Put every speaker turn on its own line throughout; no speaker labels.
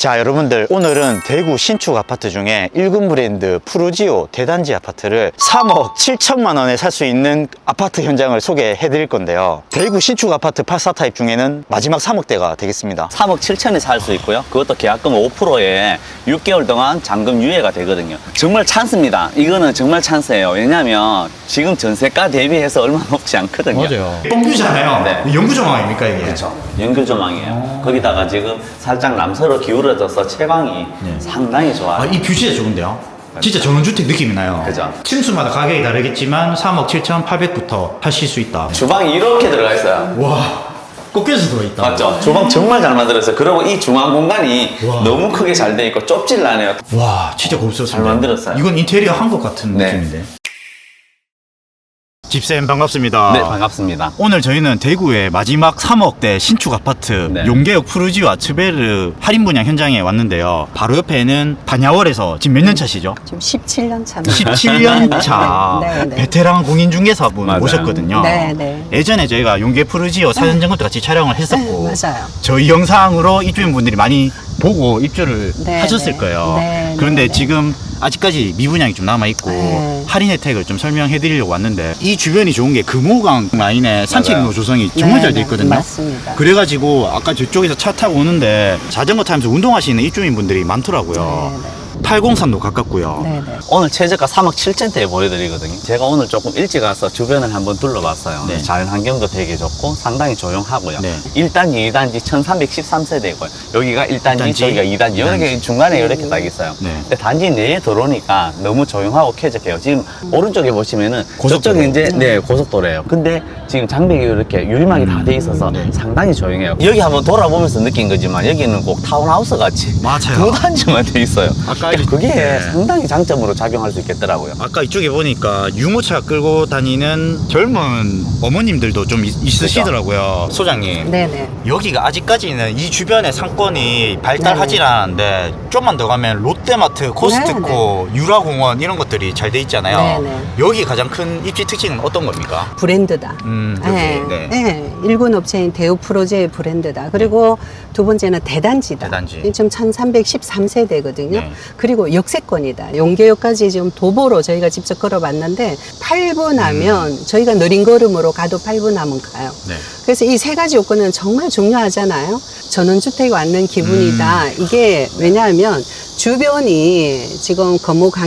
자, 여러분들 오늘은 대구 신축 아파트 중에 1군 브랜드 푸르지오 대단지 아파트를 3억 7천만 원에 살 수 있는 아파트 현장을 소개해 드릴 건데요. 대구 신축 아파트 84 타입 중에는 마지막 3억대가 되겠습니다.
3억 7천에 살 수 있고요. 그것도 계약금 5%에 6개월 동안 잔금 유예가 되거든요. 정말 찬스입니다. 이거는 정말 찬스예요. 왜냐하면 지금 전세가 대비해서 얼마 높지 않거든요.
맞아요. 뻥규잖아요.
네.
영구 조망입니까 이게?
그렇죠. 연결 조망이에요. 거기다가 지금 살짝 남서로 기울어져서 채광이 상당히 좋아요.
아, 이 뷰 진짜 좋은데요? 진짜 전원주택 느낌이 나요.
그죠.
층수마다 가격이 다르겠지만 3억 7,800부터 하실 수 있다.
주방이 이렇게 들어가 있어요.
와, 꺾여서 들어있다.
맞죠? 주방 정말 잘 만들었어요. 그리고 이 중앙 공간이
와.
너무 크게 잘 돼 있고 좁질 않아요.
와, 진짜 고급스럽습니다.
잘 만들었어요.
이건 인테리어 한 것 같은
네.
느낌인데. 집쌤 반갑습니다.
네, 반갑습니다.
오늘 저희는 대구의 마지막 3억대 신축 아파트
네.
용계역 푸르지오 아츠베르 할인 분양 현장에 왔는데요. 바로 옆에는 반야월에서 지금 몇 년 차시죠?
지금 17년 차입니다.
17년 차
네, 네.
베테랑 공인중개사분
맞아요.
모셨거든요.
네, 네.
예전에 저희가 용계 푸르지오 사전 점검 때 같이 촬영을 했었고
네, 맞아요.
저희 영상으로 입주민분들이 많이 보고 입주를
네,
하셨을
네.
거예요.
네,
그런데
네, 네.
지금 아직까지 미분양이 좀 남아있고
네.
할인 혜택을 좀 설명해 드리려고 왔는데 이 주변이 좋은 게 금호강 라인에 산책로 조성이 정말
네,
잘 돼
네,
있거든요.
맞습니다.
그래가지고 아까 저쪽에서 차 타고 오는데 자전거 타면서 운동하시는 입주민분들이 많더라고요.
네, 네.
803도 가깝고요.
네, 네.
오늘 최저가 3억 7천대에 보여드리거든요. 제가 오늘 조금 일찍 와서 주변을 한번 둘러봤어요.
네.
자연 환경도 되게 좋고 상당히 조용하고요.
네.
1단지, 2단지 1313세대고요. 여기가 1단지,
1단지,
저기가 2단지. 이렇게 중간에 이렇게 딱 있어요.
네.
근데 단지 내에 들어오니까 너무 조용하고 쾌적해요. 지금 오른쪽에 보시면은
고속도로.
저쪽에 이제 네, 고속도로예요. 근데 지금 장벽이 이렇게 유리막이 다 돼 있어서
네.
상당히 조용해요. 여기 한번 돌아보면서 느낀 거지만 여기는 꼭 타운하우스 같이
맞아요.
두 단지만 돼 있어요.
아까
그러니까 그게
네.
상당히 장점으로 작용할 수 있겠더라고요.
아까 이쪽에 보니까 유모차 끌고 다니는 젊은 어머님들도 좀 있으시더라고요. 소장님.
네, 네.
여기가 아직까지는 이 주변의 상권이 발달하지 않았는데 좀만 더 가면 롯데마트, 코스트코, 유라공원 이런 것들이 잘 돼 있잖아요.
네, 네.
여기 가장 큰 입지 특징은 어떤 겁니까?
브랜드다.
여기,
네,
네.
네. 일군 업체인 대우 프로제의 브랜드다. 그리고 두 번째는 대단지다.
대단지.
지금 1313세대거든요.
네.
그리고 역세권이다. 용계역까지 지금 도보로 저희가 직접 걸어봤는데 8분 하면 저희가 느린 걸음으로 가도 8분 하면 가요.
네.
그래서 이 세 가지 요건은 정말 중요하잖아요. 전원주택에 왔는 기분이다. 이게 왜냐하면 주변이 지금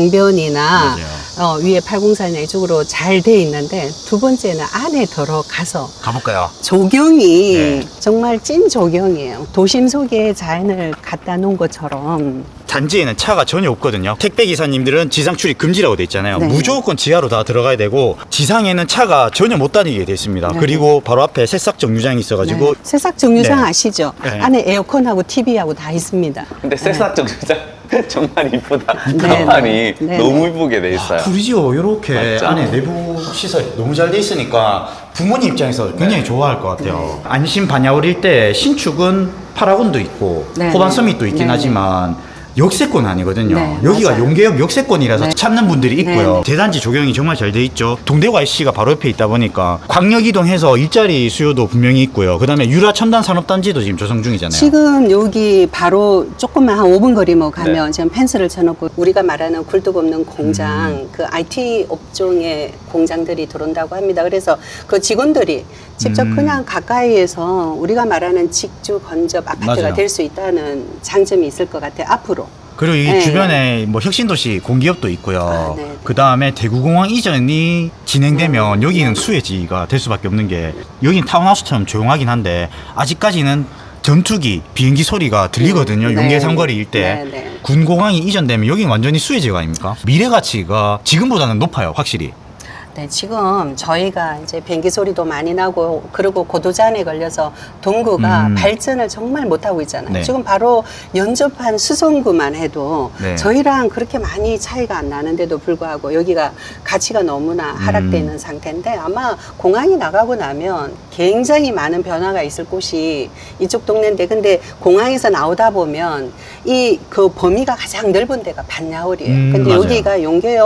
거무강변이나 위에 804나 이쪽으로 잘 돼 있는데 두 번째는 안에 들어가서
가볼까요?
조경이
네.
정말 찐 조경이에요. 도심 속에 자연을 갖다 놓은 것처럼.
단지에는 차가 전혀 없거든요. 택배 기사님들은 지상 출입 금지라고 돼 있잖아요.
네.
무조건 지하로 다 들어가야 되고 지상에는 차가 전혀 못 다니게 돼 있습니다.
네.
그리고 바로 앞에 새싹 정류장이 있어가지고
네. 새싹 정류장
네.
아시죠?
네.
안에 에어컨하고 TV하고 다 있습니다.
근데 새싹 정류장 정말 이쁘다.
네,
가만히
네. 네,
너무
네.
이쁘게 돼 있어요.
푸르지오 이렇게
맞죠?
안에 내부 시설 너무 잘 돼 있으니까 부모님 입장에서 굉장히 좋아할 것 같아요. 안심 반야월 일대 신축은 파라곤도 있고
네,
호반
네.
서밋도 있긴
네,
하지만 역세권 아니거든요.
네,
여기가
맞아요.
용계역 역세권이라서
네.
찾는 분들이 있고요.
네.
대단지 조경이 정말 잘 돼 있죠. 동대구 IC가 바로 옆에 있다 보니까 광역 이동해서 일자리 수요도 분명히 있고요. 그다음에 유라 첨단 산업단지도 지금 조성 중이잖아요.
지금 여기 바로 조금만 한 5분 거리만 가면
네.
지금 펜스를 쳐놓고 우리가 말하는 굴뚝 없는 공장, 그 IT 업종의 공장들이 들어온다고 합니다. 그래서 그 직원들이 직접 그냥 가까이에서 우리가 말하는 직주 건접 아파트가
맞아요.
될 수 있다는 장점이 있을 것 같아요. 앞으로.
그리고 이
네.
주변에 뭐 혁신도시 공기업도 있고요.
아, 네, 네.
그 다음에 대구공항 이전이 진행되면 여기는 수혜지가 될 수밖에 없는 게 여기는 타운하우스처럼 조용하긴 한데 아직까지는 전투기, 비행기 소리가 들리거든요.
네.
용계 삼거리 일대.
네, 네.
군공항이 이전되면 여기는 완전히 수혜지가 아닙니까? 미래 가치가 지금보다는 높아요, 확실히.
네, 지금 저희가 이제 비행기 소리도 많이 나고 그리고 고도잔에 걸려서 동구가 발전을 정말 못하고 있잖아요.
네.
지금 바로 연접한 수성구만 해도
네.
저희랑 그렇게 많이 차이가 안 나는데도 불구하고 여기가 가치가 너무나 하락되어 있는 상태인데 아마 공항이 나가고 나면 굉장히 많은 변화가 있을 곳이 이쪽 동네인데 근데 공항에서 나오다 보면 이 그 범위가 가장 넓은 데가 반야월이에요. 근데
맞아요.
여기가 용계역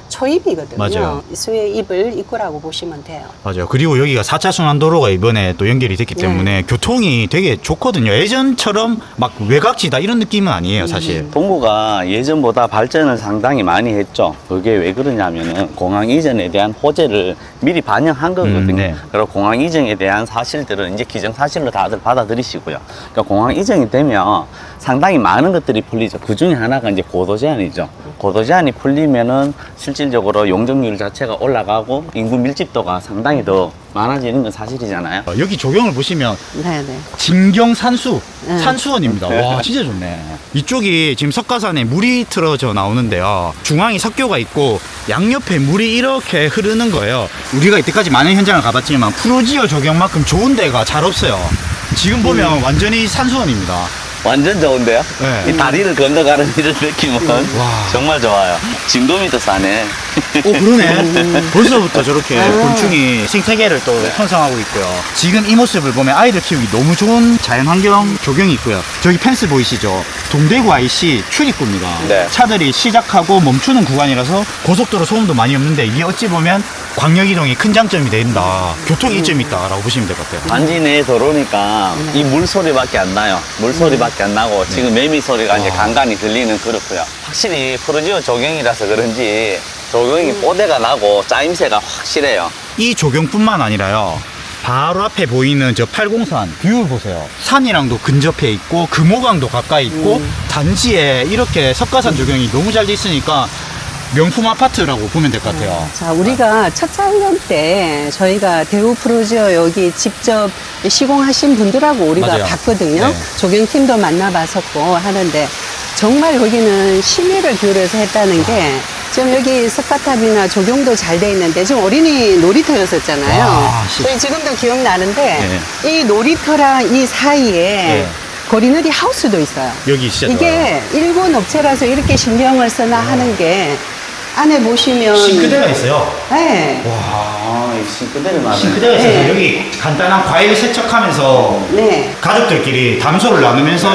초입이거든요.
맞아요.
수의 입을 입구라고 보시면 돼요.
맞아요. 그리고 여기가 4차 순환도로가 이번에 또 연결이 됐기 때문에 교통이 되게 좋거든요. 예전처럼 막 외곽지다 이런 느낌은 아니에요, 사실.
동구가 예전보다 발전을 상당히 많이 했죠. 그게 왜 그러냐면은 공항 이전에 대한 호재를 미리 반영한 거거든요.
네.
그리고 공항 이전에 대한 사실들은 이제 기정사실로 다들 받아들이시고요. 그러니까 공항 이전이 되면 상당히 많은 것들이 풀리죠. 그 중에 하나가 이제 고도 제한이죠. 고도 제한이 풀리면은 실질적으로 용적률 자체가 올라가고 인구 밀집도가 상당히 더 많아지는 건 사실이잖아요.
여기 조경을 보시면
네네.
진경 산수,
네.
산수원입니다. 와, 진짜 좋네. 이쪽이 지금 석가산에 물이 틀어져 나오는데요. 중앙이 석교가 있고 양옆에 물이 이렇게 흐르는 거예요. 우리가 이때까지 많은 현장을 가봤지만 프로지오 조경만큼 좋은 데가 잘 없어요. 지금 보면 완전히 산수원입니다.
완전 좋은데요?
네.
이 다리를 건너가는 이런 느낌은
와.
정말 좋아요. 진돔이 더 싸네.
오, 그러네. 벌써부터 저렇게 곤충이 생태계를 또 형성하고 있고요. 지금 이 모습을 보면 아이들 키우기 너무 좋은 자연환경 조경이 있고요. 저기 펜스 보이시죠? 동대구 IC 출입구입니다.
네.
차들이 시작하고 멈추는 구간이라서 고속도로 소음도 많이 없는데 이게 어찌 보면 광역이동이 큰 장점이 된다. 교통 이점이 있다라고 보시면 될 것 같아요.
단지 내 도로니까 이 물소리밖에 안 나요. 물소리밖에 안 나고 지금 매미 소리가 이제 간간히 들리는 그렇고요. 확실히 프로지오 조경이라서 그런지 조경이 뽀대가 나고 짜임새가 확실해요.
이 조경뿐만 아니라요. 바로 앞에 보이는 저 팔공산 뷰를 보세요. 산이랑도 근접해 있고 금호강도 가까이 있고 단지에 이렇게 석가산 조경이 너무 잘 돼 있으니까 명품 아파트라고 보면 될 것 같아요.
자, 우리가 첫 촬영 때 저희가 대우 프로지오 여기 직접 시공하신 분들하고 우리가
맞아요.
봤거든요.
네.
조경팀도 만나봤었고 하는데 정말 여기는 심의를 기울여서 했다는 게 지금 여기 석가탑이나 조경도 잘 돼 있는데 지금 어린이 놀이터였었잖아요.
와,
저희 지금도 기억나는데
네.
이 놀이터랑 이 사이에
네.
거리누리 하우스도 있어요.
여기 진짜
이게 일본 업체라서 이렇게 신경을 쓰나 하는 게 안에 보시면
좋아요. 싱크대가 있어요.
네.
아, 이 싱크대를 말해.
싱크대가 있어서
네.
여기 간단한 과일 세척하면서
네.
가족들끼리 담소를 나누면서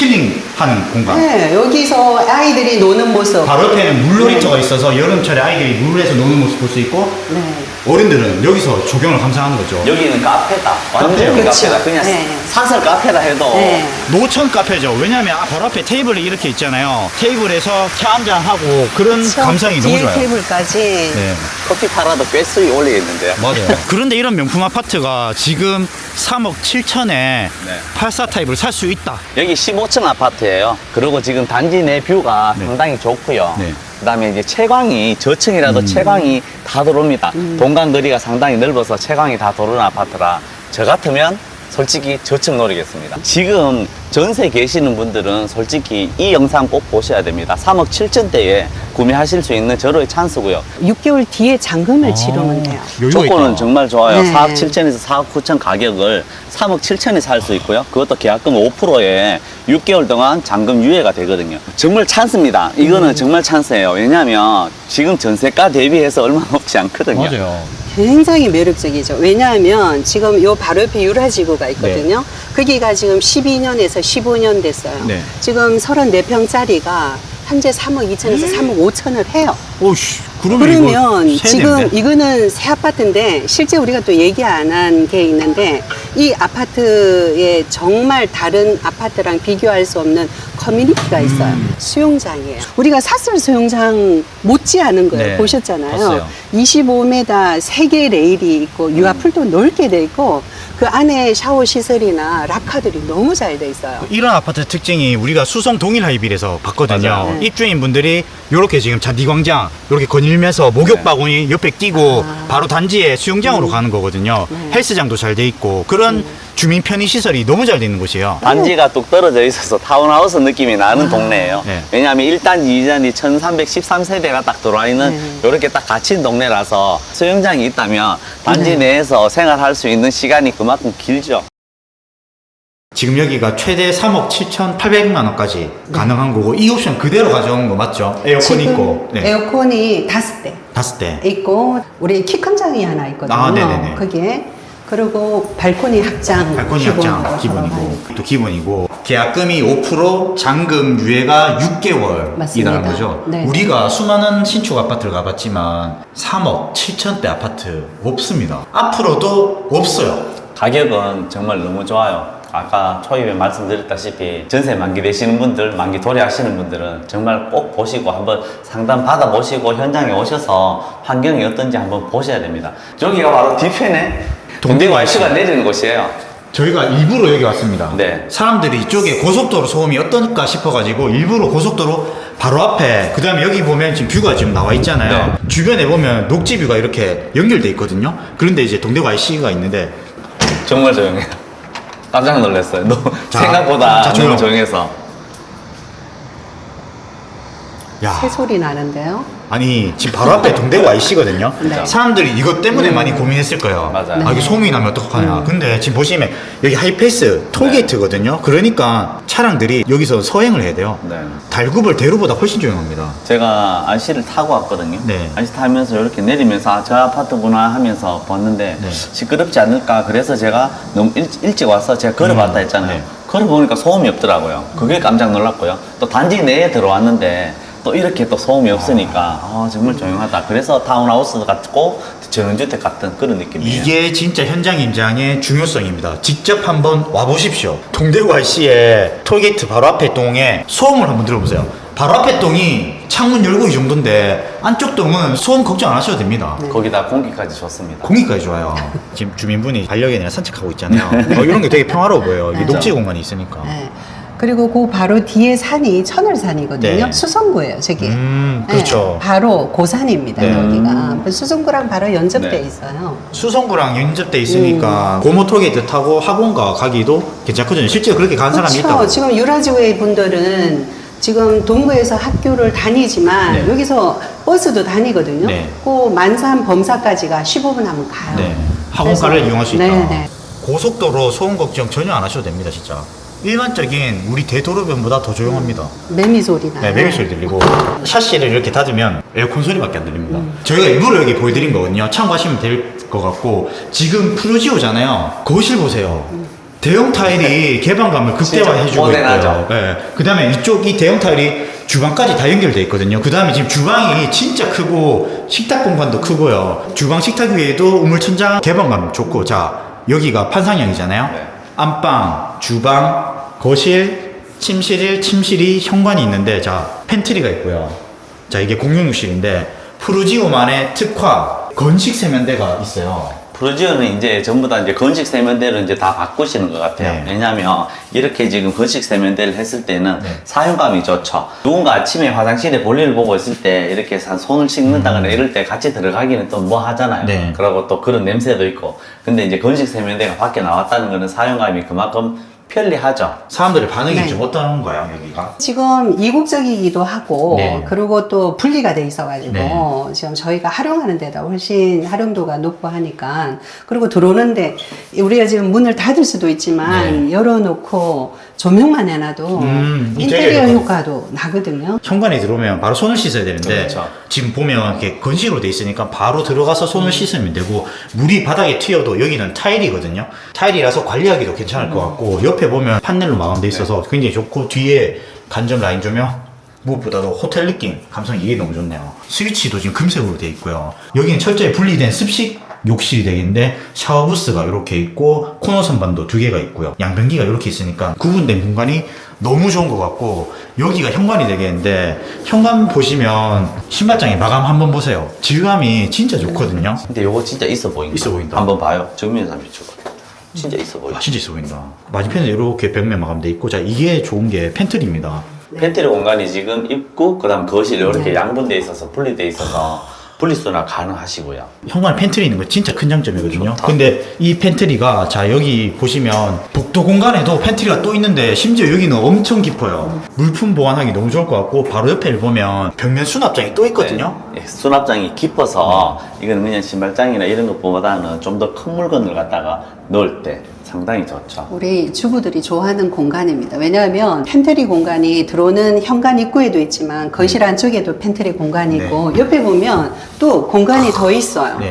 힐링하는 공간.
네, 여기서 아이들이 노는 모습.
바로 옆에는 물놀이터가 있어서 여름철에 아이들이 물에서 노는 모습 볼 수 있고
네.
어른들은 여기서 조경을 감상하는 거죠.
여기는 카페다. 완전
카페요.
카페다.
그렇죠.
그냥
네.
사설 카페다 해도
네.
노천 카페죠. 왜냐하면 바로 앞에 테이블이 이렇게 있잖아요. 테이블에서 차 한잔 하고 그런 감성이 너무
뒤에
좋아요.
테이블까지.
네,
커피 팔아도 꽤 수익 올리겠는데요.
맞아요. 그런데 이런 명품 아파트가 지금 3억 7천에 84 타입을 살 수 있다.
여기 15층 아파트예요. 그리고 지금 단지 내 뷰가
네.
상당히 좋고요.
네.
그다음에 이제 채광이 저층이라도 채광이 다 들어옵니다. 동간 거리가 상당히 넓어서 채광이 다 들어오는 아파트라 저 같으면 솔직히 저층 노리겠습니다. 지금 전세 계시는 분들은 솔직히 이 영상 꼭 보셔야 됩니다. 3억 7천대에 구매하실 수 있는 절호의 찬스고요.
6개월 뒤에 잔금을 치르면 돼요.
여유가
조건은
있다.
정말 좋아요.
네.
4억 7천에서 4억 9천 가격을 3억 7천에 살 수 있고요. 그것도 계약금 5%에 6개월 동안 잔금 유예가 되거든요. 정말 찬스입니다. 이거는 정말 찬스예요. 왜냐하면 지금 전세가 대비해서 얼마 없지 않거든요.
맞아요.
굉장히 매력적이죠. 왜냐하면 지금 요 바로 옆에 유라지구가 있거든요. 거기가 지금 12년에서 15년 됐어요.
네.
지금 34평짜리가 현재 3억 2천에서 3억 5천을 해요.
오씨,
그러면
이거 새
지금
내인데?
이거는 새 아파트인데 실제 우리가 또 얘기 안 한 게 있는데 이 아파트에 정말 다른 아파트랑 비교할 수 없는 커뮤니티가 있어요. 수영장이에요. 우리가 사설 수영장 못지않은 거예요.
네,
보셨잖아요.
봤어요.
25m 3개 레일이 있고 유아풀도 넓게 돼 있고 그 안에 샤워 시설이나 락카들이 너무 잘 돼 있어요.
이런 아파트 특징이 우리가 수성 동일 하이빌에서 봤거든요.
맞아요.
네.
입주인 분들이 이렇게 지금 잔디광장 이렇게 거닐면서 목욕 바구니 옆에 끼고 바로 단지에 수영장으로 가는 거거든요. 헬스장도 잘 돼 있고 그런 주민 편의 시설이 너무 잘 돼 있는 곳이에요.
단지가 뚝 떨어져 있어서 타운하우스 느낌이 나는 동네예요.
네.
왜냐하면 1단지, 2단지 1313세대가 딱 들어와 있는 이렇게 딱 갇힌 동네라서 수영장이 있다면 단지 내에서 생활할 수 있는 시간이 그만큼 길죠.
지금 여기가 최대 3억 7,800만 원까지 가능한 거고 이 옵션 그대로 가져온 거 맞죠? 에어컨
지금
있고 네.
에어컨이 5대
5대
있고 우리 키 큰 장이 하나 있거든요.
아, 네네네.
거기에 그리고 발코니 확장.
발코니
기본으로
확장 기본이고
들어가요.
또 기본이고 계약금이 5% 잔금 유예가 6개월이라는
맞습니다.
거죠.
네.
우리가 수많은 신축 아파트를 가봤지만 3억 7천대 아파트 없습니다. 앞으로도 없어요.
가격은 정말 너무 좋아요. 아까 초입에 말씀드렸다시피 전세 만기 되시는 분들, 만기 도래하시는 분들은 정말 꼭 보시고 한번 상담 받아보시고 현장에 오셔서 환경이 어떤지 한번 보셔야 됩니다. 여기가 바로 뒤편에 동대구 IC가 내리는 곳이에요.
저희가 일부러 여기 왔습니다.
네.
사람들이 이쪽에 고속도로 소음이 어떨까 싶어가지고 일부러 고속도로 바로 앞에 그 다음에 여기 보면 지금 뷰가 지금 나와 있잖아요.
네.
주변에 보면 녹지 뷰가 이렇게 연결돼 있거든요. 그런데 이제 동대구 IC가 있는데
정말 조용해요. 깜짝 놀랐어요.
자,
생각보다
자,
너무
조용.
조용해서.
야
새소리 나는데요.
아니 지금 바로 앞에 동대구 IC거든요.
네.
사람들이 이것 때문에 많이 고민했을 거예요.
맞아요.
아 이게 소음이 나면 어떡하냐. 근데 지금 보시면 여기 하이패스 톨게이트거든요. 그러니까 차량들이 여기서 서행을 해야 돼요.
네.
달구벌 대로보다 훨씬 조용합니다.
제가 IC를 타고 왔거든요.
네.
IC 타면서 이렇게 내리면서 아, 저 아파트구나 하면서 봤는데
네.
시끄럽지 않을까. 그래서 제가 너무 일찍 와서 제가 걸어봤다 했잖아요.
네.
걸어보니까 소음이 없더라고요. 그게 깜짝 놀랐고요. 또 단지 내에 들어왔는데 또 이렇게 또 소음이 없으니까 정말 조용하다. 그래서 타운하우스 같고 전원주택 같은 그런 느낌이에요.
이게 진짜 현장 임장의 중요성입니다. 직접 한번 와보십시오. 동대구 IC의 톨게이트 바로 앞에 동에 소음을 한번 들어보세요. 바로 앞에 동이 창문 열고 이 정도인데 안쪽 동은 소음 걱정 안 하셔도 됩니다.
거기다 공기까지 좋습니다.
공기까지 좋아요. 지금 주민분이 반려견이랑 산책하고 있잖아요. 이런 게 되게 평화로워 보여요. 이게
네.
녹지 공간이 있으니까.
네. 그리고 그 바로 뒤에 산이 천을산이거든요.
네.
수성구예요, 저기.
그렇죠.
네, 바로 고산입니다,
네.
여기가. 수성구랑 바로 연접돼
네.
있어요.
수성구랑 연접돼 있으니까 고모 톨게이트 타고 학원가 가기도 괜찮거든요. 실제로 그렇게 가는 사람이 있다고.
그렇죠. 지금 유라지웨이 분들은 지금 동구에서 학교를 다니지만
네.
여기서 버스도 다니거든요.
네.
그 만산 범사까지가 15분 하면 가요.
네. 학원가를
그래서-
이용할 수 있다.
네, 네.
고속도로 소음 걱정 전혀 안 하셔도 됩니다, 진짜. 일반적인 우리 대도로변보다 더 조용합니다.
매미 소리 나요.
네, 매미 소리 들리고 샤시를 이렇게 닫으면 에어컨 소리밖에 안 들립니다. 저희가 일부러 여기 보여드린 거거든요. 참고하시면 될 것 같고 지금 푸르지오잖아요. 거실 보세요. 대형 타일이 개방감을 극대화해주고
진짜 모던하죠.
있고요. 네. 그 다음에 이쪽 대형 타일이 주방까지 다 연결돼 있거든요. 그 다음에 지금 주방이 진짜 크고 식탁 공간도 크고요. 주방 식탁 위에도 우물천장 개방감 좋고 자 여기가 판상형이잖아요.
네.
안방, 주방, 거실, 침실 1, 침실 2 현관이 있는데 자 팬트리가 있고요. 자 이게 공용욕실인데 푸르지오만의 특화 건식 세면대가 있어요.
프로지오는 이제 전부 다 이제 건식 세면대를 이제 다 바꾸시는 것 같아요.
네.
왜냐하면 이렇게 지금 건식 세면대를 했을 때는
네.
사용감이 좋죠. 누군가 아침에 화장실에 볼일을 보고 있을 때 이렇게 손을 씻는다거나 이럴 때 같이 들어가기는 또 뭐 하잖아요.
네.
그리고 또 그런 냄새도 있고. 근데 이제 건식 세면대가 밖에 나왔다는 거는 사용감이 그만큼 편리하죠.
사람들의 반응이
네.
좀 어떤가요 여기가?
지금 이국적이기도 하고
네.
그리고 또 분리가 돼 있어가지고
네.
지금 저희가 활용하는 데다 훨씬 활용도가 높고 하니까 그리고 들어오는데 우리가 지금 문을 닫을 수도 있지만 열어놓고 조명만 해놔도 인테리어
인테리어
효과도 나거든요.
현관에 들어오면 바로 손을 씻어야 되는데
그렇죠.
지금 보면 이렇게 건식으로 돼 있으니까 바로 들어가서 손을 씻으면 되고 물이 바닥에 튀어도 여기는 타일이거든요. 타일이라서 관리하기도 괜찮을 것 같고 옆에 보면 판넬로 마감돼 있어서 굉장히 좋고 뒤에 간접 라인 조명 무엇보다도 호텔 느낌 감성 이게 너무 좋네요. 스위치도 지금 금색으로 돼 있고요. 여기는 철저히 분리된 습식 욕실이 되겠는데 샤워 부스가 이렇게 있고 코너 선반도 2개가 있고요. 양변기가 이렇게 있으니까 구분된 공간이 너무 좋은 것 같고 여기가 현관이 되겠는데 현관 보시면 신발장에 마감 한번 보세요. 질감이 진짜 좋거든요.
근데 요거 진짜 있어 보인다.
있어 보인다.
한번 봐요. 정면에서 비추고. 진짜 있어 보여.
와 진짜 있어 보인다. 맞은편에 이렇게 벽면 마감돼 있고 자 이게 좋은 게 팬트리입니다.
팬트리 공간이 지금 입구, 그 다음 거실 이렇게
네.
양분돼 있어서 분리돼 있어서 분리수납 가능하시고요.
현관에 팬트리 있는 거 진짜 큰 장점이거든요.
좋다.
근데 이 팬트리가 자 여기 보시면 복도 공간에도 팬트리가 또 있는데 심지어 여기는 엄청 깊어요. 물품 보관하기 너무 좋을 것 같고 바로 옆에 보면 벽면 수납장이 또 있거든요.
네. 예, 수납장이 깊어서 이건 그냥 신발장이나 이런 것보다는 좀 더 큰 물건을 갖다가 넣을 때 상당히 좋죠.
우리 주부들이 좋아하는 공간입니다. 왜냐하면 팬트리 공간이 들어오는 현관 입구에도 있지만 거실 안쪽에도 팬트리 공간이 있고 옆에 보면 또 공간이 더 있어요.
네.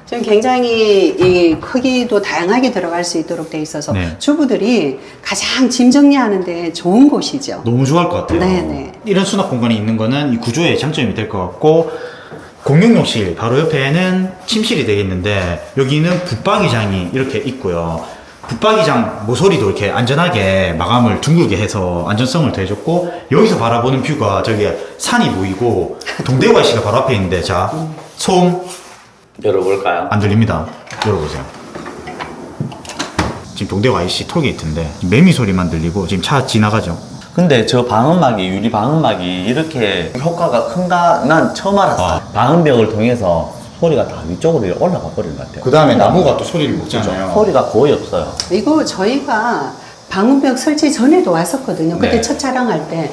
지금 굉장히 이 크기도 다양하게 들어갈 수 있도록 돼 있어서
네.
주부들이 가장 짐 정리하는데 좋은 곳이죠.
너무 좋아할 것 같아요.
네네.
이런 수납 공간이 있는 거는 이 구조의 장점이 될 것 같고, 공용욕실 바로 옆에는 침실이 되겠는데 여기는 붙박이장이 이렇게 있고요. 붙박이장 모서리도 이렇게 안전하게 마감을 둥글게 해서 안전성을 더해줬고, 여기서 바라보는 뷰가 저기 산이 보이고 동대구 IC가 바로 앞에 있는데, 자, 소음
열어볼까요?
안 들립니다. 열어보세요. 지금 동대구 IC 톨게이트인데 매미 소리만 들리고 지금 차 지나가죠.
근데 저 방음막이, 유리 방음막이 이렇게 효과가 큰가 난 처음 알았어요. 방음벽을 통해서 소리가 다 위쪽으로 올라가 버리는 것 같아요.
그 다음에 나무가 또 소리를 먹잖아요.
소리가 거의 없어요.
이거 저희가 방음벽 설치 전에도 왔었거든요. 그때
네.
첫 촬영할 때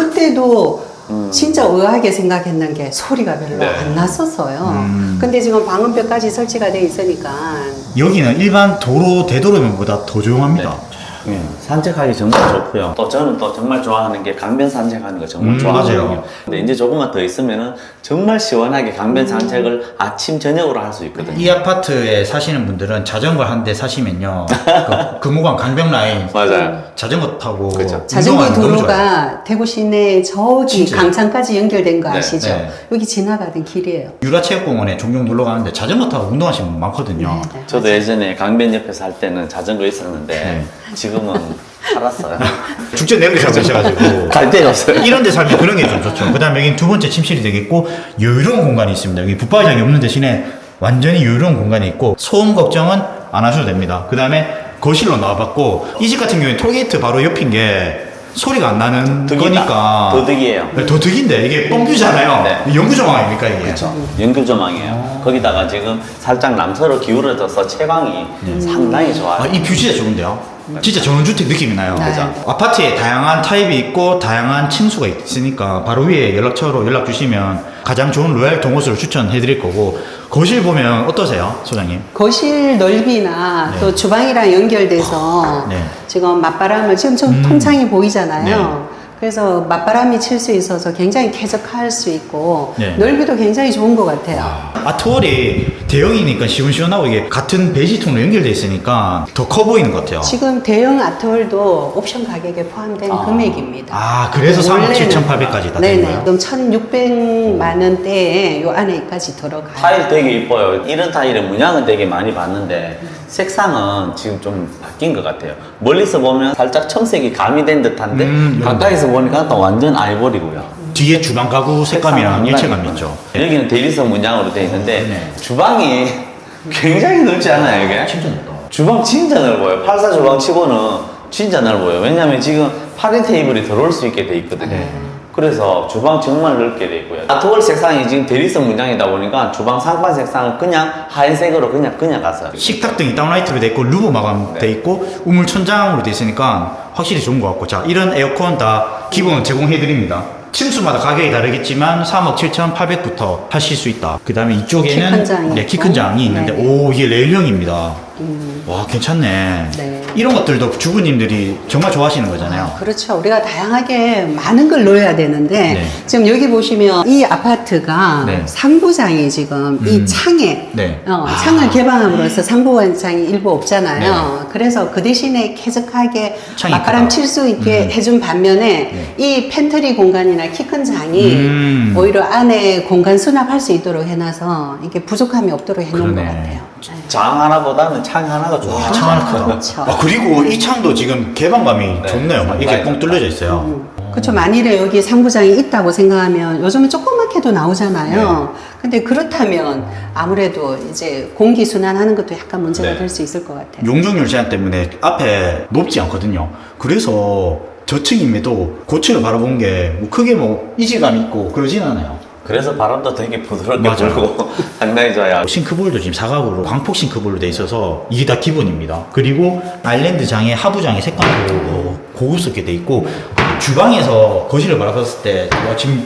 그때도 진짜 의아하게 생각했는 게 소리가 별로
네.
안 났었어요. 근데 지금 방음벽까지 설치가 돼 있으니까
여기는 일반 도로 대도로면보다 더 조용합니다.
예, 산책하기 정말 좋고요. 또 저는 또 정말 좋아하는 게 강변 산책하는 거 정말 좋아하거든요.
맞아요.
근데 이제 조금만 더 있으면은 정말 시원하게 강변 산책을 아침 저녁으로 할 수 있거든요.
이 아파트에 사시는 분들은 자전거 한 대 사시면요, 그 금호강 강변 라인
맞아요.
자전거 타고
그쵸.
자전거
운동하면 너무 좋아요.
도로가 대구 시내 저기
진짜요?
강창까지 연결된 거
네,
아시죠?
네.
여기 지나가던 길이에요.
유라체육공원에 종종 놀러 가는데 자전거 타고 운동하시는 분 많거든요.
네.
저도 예전에 강변 옆에 살 때는 자전거 있었는데
네.
지금은 살았어요.
축제 내리 살고 계셔가지고
갈 데가 없어요.
이런 데 살면 그런 게 좀 좋죠. 그 다음에 여기는 두 번째 침실이 되겠고, 여유로운 공간이 있습니다. 여기 붙박이장이 없는 대신에 완전히 여유로운 공간이 있고, 소음 걱정은 안 하셔도 됩니다. 그 다음에 거실로 나와봤고, 이 집 같은 경우에 톨게이트 바로 옆인 게 소리가 안 나는
득이다.
거니까
더 득이에요.
네, 더 득인데 이게 뻥뷰잖아요.
네.
연구조망 아닙니까 이게?
연결 조망이에요. 거기다가 지금 살짝 남서로 기울어져서 채광이 상당히 좋아요.
아, 이 뷰 진짜 좋은데요? 진짜 전원주택 느낌이 나요.
네.
그죠? 아파트에 다양한 타입이 있고 다양한 층수가 있으니까 바로 위에 연락처로 연락 주시면 가장 좋은 로얄 동호수를 추천해 드릴 거고, 거실 보면 어떠세요, 소장님?
거실 넓이나
네.
또 주방이랑 연결돼서
네.
지금 맞바람을 지금 좀 통창이 보이잖아요.
네.
그래서 맞바람이 칠 수 있어서 굉장히 쾌적할 수 있고
네.
넓이도 굉장히 좋은 것 같아요.
아트월이 대형이니까 시원시원하고 이게 같은 베이지통으로 연결돼 있으니까 더 커 보이는 것 같아요.
지금 대형 아트홀도 옵션 가격에 포함된 금액입니다.
아, 그래서 3억
원래는-
7,800까지 다 된
네네.
거예요?
그럼 1,600만 원대에 요 안에까지 들어가요.
타일 되게 이뻐요. 이런 타일의 문양은 되게 많이 봤는데 색상은 지금 좀 바뀐 것 같아요. 멀리서 보면 살짝 청색이 가미된 듯한데 가까이서 보니까 또 완전 아이보리고요.
뒤에 주방 가구 색감이랑
색상은
일체감이
상당히
있죠.
여기는 대리석 문양으로 되어 있는데
네.
주방이 굉장히 넓지 않아요, 이게?
진짜 좋다.
주방 진짜 넓어요. 84 주방 치고는 진짜 넓어요. 왜냐면 지금 8인 테이블이 들어올 수 있게 돼 있거든요.
네.
그래서 주방 정말 넓게 돼 있고요. 아트월 색상이 지금 대리석 문양이다 보니까 주방 상판 색상은 그냥 하얀색으로 그냥 갔어요.
식탁 등이 다운라이트로 돼 있고 루브 마감
네.
돼 있고 우물 천장으로 돼 있으니까 확실히 좋은 것 같고, 자, 이런 에어컨 다 기본 제공해 드립니다. 층수마다 가격이 다르겠지만 3억 7,800부터 하실 수 있다. 그 다음에 이쪽에는
키큰 장이
네, 키 큰
있고.
장이 있는데,
네.
오, 이게 레일형입니다. 와, 괜찮네.
네.
이런 것들도 주부님들이 정말 좋아하시는 거잖아요.
그렇죠. 우리가 다양하게 많은 걸 넣어야 되는데
네.
지금 여기 보시면 이 아파트가
네.
상부장이 지금 이 창에
네.
창을 개방함으로써 상부장이 일부 없잖아요. 그래서 그 대신에 쾌적하게
창이
맞바람
크다.
칠 수 있게 해준 반면에 이 팬트리 공간이나 키 큰 장이 오히려 안에 공간 수납할 수 있도록 해놔서 이게 부족함이 없도록 해놓은
그러네.
것 같아요. 네.
장 하나보다는 창 하나가 좋아요.
창 하나 크다.
그렇죠.
아, 그리고 이 창도 지금 개방감이
네.
좋네요. 막 이렇게 뻥 뚫려져 있어요.
그렇죠. 만일에 여기 상부장이 있다고 생각하면 요즘은 조그맣게도 나오잖아요. 근데 그렇다면 아무래도 이제 공기 순환하는 것도 약간 문제가
네.
될 수 있을 것 같아요.
용적률 제한 때문에 앞에 높지 않거든요. 그래서 저층임에도 고층을 바라보는 게 뭐 크게 뭐 이질감이 있고 그러진 않아요.
그래서 바람도 되게 부드럽게
맞아요.
불고 상당히 좋아요.
싱크볼도 지금 사각으로 광폭 싱크볼로 돼 있어서 이게 다 기본입니다. 그리고 아일랜드 장의 하부장의 색감도 고급스럽게 돼 있고, 주방에서 거실을 바라봤을 때 와, 지금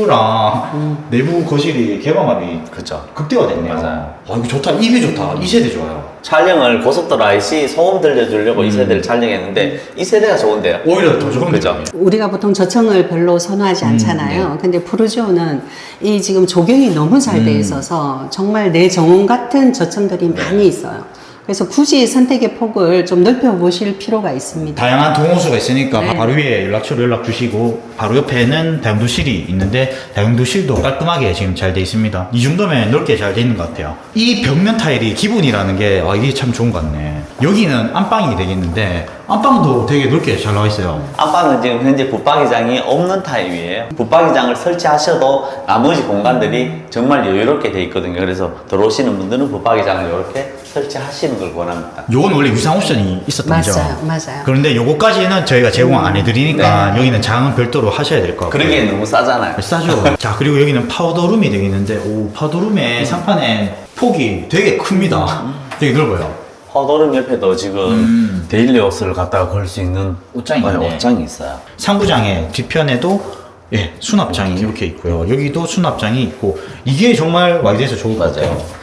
뷰랑 내부 거실이 개방감이
그렇죠.
극대화됐네요.
맞아요.
와 이거 좋다. 이 뷰 좋다. 이 세대 좋아요.
촬영을 고속도로 IC 소음 들려주려고 이 세대를 촬영했는데 이 세대가 좋은데요.
오히려 더 좋은
그죠?
느낌이에요.
우리가 보통 저층을 별로 선호하지 않잖아요. 근데 푸르지오는 이 지금 조경이 너무 잘 돼 있어서 정말 내 정원 같은 저층들이 많이 있어요. 그래서 굳이 선택의 폭을 좀 넓혀 보실 필요가 있습니다.
다양한 동호수가 있으니까
네.
바로 위에 연락처로 연락 주시고 바로 옆에는 다용도실이 있는데 다용도실도 깔끔하게 지금 잘 돼 있습니다. 이 정도면 넓게 잘 돼 있는 것 같아요. 이 벽면 타일이 기본이라는 게 이게 참 좋은 것 같네. 여기는 안방이 되겠는데 안방도 되게 넓게 잘 나와 있어요.
안방은 지금 현재 붙박이장이 없는 타입이에요. 붙박이장을 설치하셔도 나머지 공간들이 정말 여유롭게 돼 있거든요. 그래서 들어오시는 분들은 붙박이장을 이렇게 설치하시는 걸 원합니다.
요건 원래 유상 옵션이 있었던 거죠.
맞아요.
그런데 요거까지는 저희가 제공 안 해드리니까 여기는 장은 별도로 하셔야 될 것 같고요.
그러기엔 너무 싸잖아요.
싸죠. 자, 그리고 여기는 파우더룸이 되겠는데, 오, 파우더룸의 상판에 폭이 되게 큽니다. 되게 넓어요.
허도름 옆에도 지금 데일리 옷을 갖다가 걸 수 있는
옷장이 있네.
옷장이 있어요.
상부장의 뒤편에도 예, 수납장이 이렇게 있고요. 여기도 수납장이 있고, 이게 정말 와이드에서 좋을 것
맞아요.
같아요.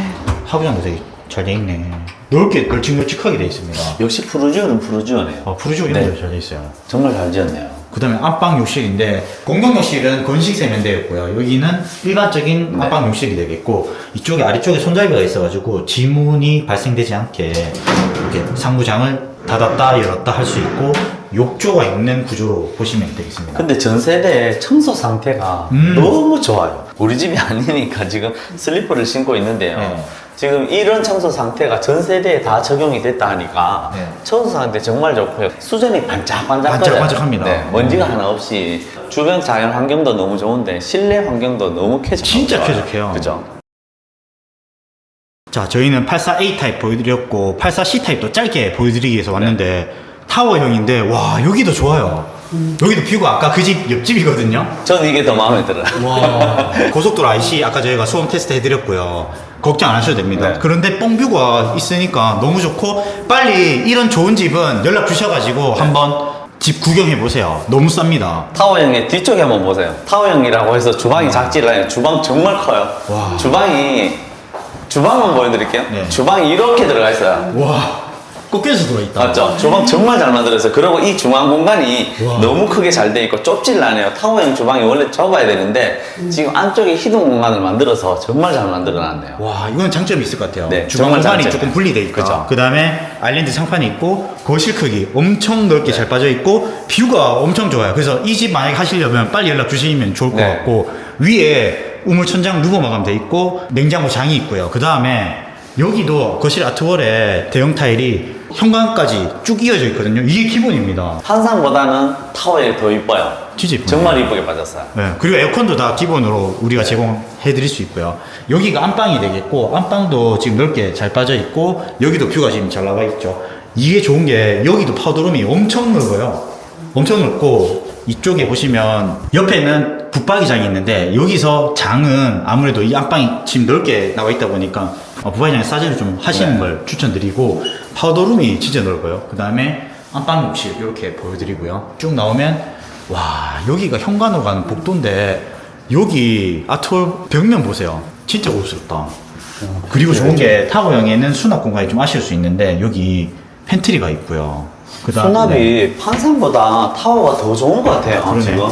하부장도 되게 잘 돼 있네. 넓게 널찍널찍하게 돼 있습니다.
역시 푸르지오는 푸르지오네요.
푸르지오 이런
네.
데잘 돼 있어요.
정말 잘 지었네요.
그 다음에 안방 욕실인데 공동 욕실은 건식 세면대였고요. 여기는 일반적인
네.
안방 욕실이 되겠고 이쪽에 아래쪽에 손잡이가 있어가지고 지문이 발생되지 않게 이렇게 상부장을 닫았다 열었다 할 수 있고 욕조가 있는 구조로 보시면 되겠습니다.
근데 전 세대 청소 상태가 너무 좋아요. 우리 집이 아니니까 지금 슬리퍼를 신고 있는데요.
네.
지금 이런 청소 상태가 전 세대에 다 적용이 됐다 하니까
네.
청소 상태 정말 좋고요. 수전이 반짝반짝거려요.
반짝반짝합니다.
네, 먼지가 하나 없이 주변 자연 환경도 너무 좋은데 실내 환경도 너무 쾌적하고
진짜
좋아요.
쾌적해요.
그죠?
자, 저희는 84A 타입 보여드렸고 84C 타입도 짧게 보여드리기 위해서 왔는데 타워형인데 와 여기도 좋아요. 여기도 뷰가 아까 그 집 옆집이거든요.
저는 이게 더 마음에 들어요.
와 고속도로 IC 아까 저희가 소음 테스트 해드렸고요. 걱정 안 하셔도 됩니다.
네.
그런데 뻥뷰가 있으니까 너무 좋고 빨리 이런 좋은 집은 연락 주셔가지고 한번 집 구경해 보세요. 너무 쌉니다.
타워형의 뒤쪽에 한번 보세요. 타워형이라고 해서 주방이 작지를 않아요. 주방 정말 커요.
와.
주방만 보여드릴게요.
네.
주방이 이렇게 들어가 있어요.
와 꺾여서 들어있다.
맞죠? 주방 정말 잘 만들었어요. 그리고 이 중앙 공간이
와.
너무 크게 잘 돼 있고 좁질 않아요. 타워형 주방이 원래 좁아야 되는데 지금 안쪽에 히든 공간을 만들어서 정말 잘 만들어 놨네요.
와 이건 장점이 있을 것 같아요.
네,
주방
정말
공간이
장점이에요.
조금 분리돼 있고
그죠.
그 다음에 아일랜드 상판이 있고 거실 크기 엄청 넓게 잘 빠져 있고 뷰가 엄청 좋아요. 그래서 이 집 만약에 하시려면 빨리 연락 주시면 좋을 것
네.
같고 위에 우물천장 루버 마감 돼 있고 냉장고 장이 있고요. 그 다음에 여기도 거실 아트월에 대형 타일이 현관까지 쭉 이어져 있거든요. 이게 기본입니다.
한상보다는 타워형이 더 이뻐요.
진짜 이쁘네요.
정말 이쁘게 빠졌어요.
네, 그리고 에어컨도 다 기본으로 우리가 제공해 드릴 수 있고요. 여기가 안방이 되겠고 안방도 지금 넓게 잘 빠져 있고 여기도 뷰가 지금 잘 나와 있죠. 이게 좋은 게 여기도 파우더룸이 엄청 넓어요. 엄청 넓고 이쪽에 보시면 옆에는 붙박이장이 있는데 여기서 장은 아무래도 이 안방이 지금 넓게 나와 있다 보니까 붙박이장에 싸제를 좀 하시는
네.
걸 추천드리고 파우더룸이 진짜 넓어요. 그 다음에 안방 욕실 이렇게 보여드리고요. 쭉 나오면 와 여기가 현관으로 가는 복도인데 여기 아트홀 벽면 보세요. 진짜 고급스럽다. 그리고 좋은 게 타워형에는 수납 공간이 좀 아쉬울 수 있는데 여기 팬트리가 있고요. 그다음
수납이 판상보다 타워가 더 좋은 것 같아요.
그러네.
지금.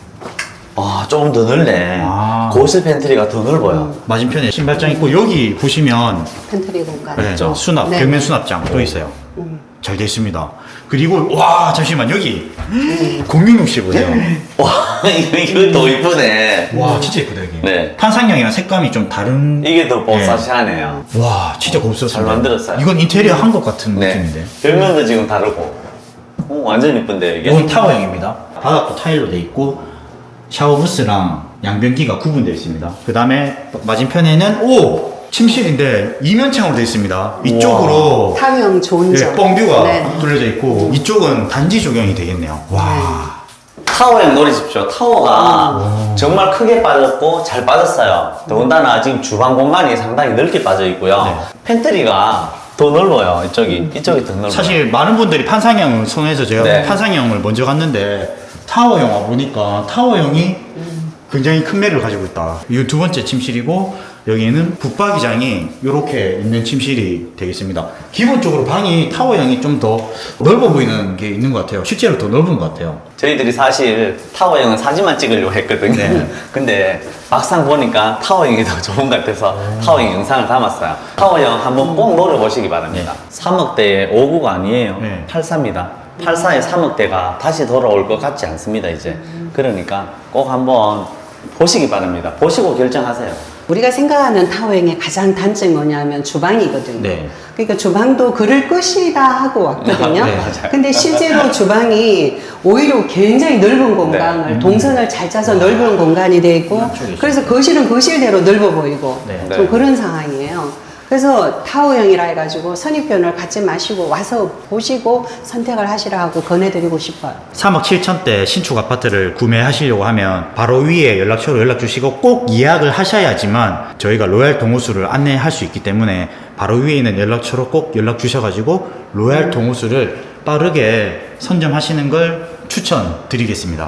아, 조금 더 넓네.
아.
거실 팬트리가 더 넓어요.
맞은편에 신발장 있고 여기 보시면
팬트리 공간.
네,
있죠.
수납
네.
벽면 수납장 또 있어요. 잘 되어 있습니다. 그리고 와 잠시만 여기 공용욕실 보세요.
와, 이거 더 이쁘네.
와 진짜 예쁘다 여기.
네.
판상형이랑 색감이 좀 다른.
이게 더 뽀사시하네요.
와 진짜 고급스럽습니다.
잘 만들었어요.
이건 인테리어 한 것 같은
네.
느낌인데.
벽면도 지금 다르고. 완전 이쁜데, 이게.
이건 타워형입니다. 바닥도 타일로 돼 있고 샤워 부스랑 양변기가 구분되어 있습니다. 그 다음에 맞은편에는 침실인데 이면창으로 되어 있습니다. 이쪽으로
타워형 좋은 점.
뻥뷰가
네.
뚫려져 있고 이쪽은 단지 조경이 되겠네요. 와.
타워형 노리십시오. 타워가 정말 크게 빠졌고 잘 빠졌어요. 더군다나 지금 주방 공간이 상당히 넓게 빠져 있고요.
네.
팬트리가 더 넓어요. 이쪽이 더 넓어요.
사실 많은 분들이 판상형을 선호해서 제가
네.
판상형을 먼저 갔는데 타워형 와보니까 타워형이 굉장히 큰 매를 가지고 있다. 이 두 번째 침실이고, 여기는 붙박이장이 이렇게 있는 침실이 되겠습니다. 기본적으로 방이 타워형이 좀 더 넓어 보이는 게 있는 것 같아요. 실제로 더 넓은 것 같아요.
저희들이 사실 타워형은 사진만 찍으려고 했거든요.
네.
근데 막상 보니까 타워형이 더 좋은 것 같아서 타워형 영상을 담았어요. 타워형 한번 꼭 노려보시기 바랍니다. 3억대의 5구가 아니에요.
네.
84입니다. 84의 3억대가 다시 돌아올 것 같지 않습니다, 이제. 그러니까 꼭 한번 보시기 바랍니다. 보시고 결정하세요.
우리가 생각하는 타워형의 가장 단점이 뭐냐면 주방이거든요.
네.
그러니까 주방도 그럴 것이다 하고 왔거든요.
네, 맞아요.
근데 실제로 주방이 오히려 굉장히 넓은 공간을 동선을 잘 짜서 넓은 공간이 돼 있고, 그래서 거실은 거실대로 넓어 보이고
네.
좀 그런 상황이에요. 그래서 타워형이라 해가지고 선입견을 갖지 마시고 와서 보시고 선택을 하시라고 권해드리고 싶어요.
3억 7천대 신축 아파트를 구매하시려고 하면 바로 위에 연락처로 연락 주시고 꼭 예약을 하셔야지만 저희가 로얄 동호수를 안내할 수 있기 때문에 바로 위에 있는 연락처로 꼭 연락 주셔가지고 로얄 동호수를 빠르게 선점하시는 걸 추천드리겠습니다.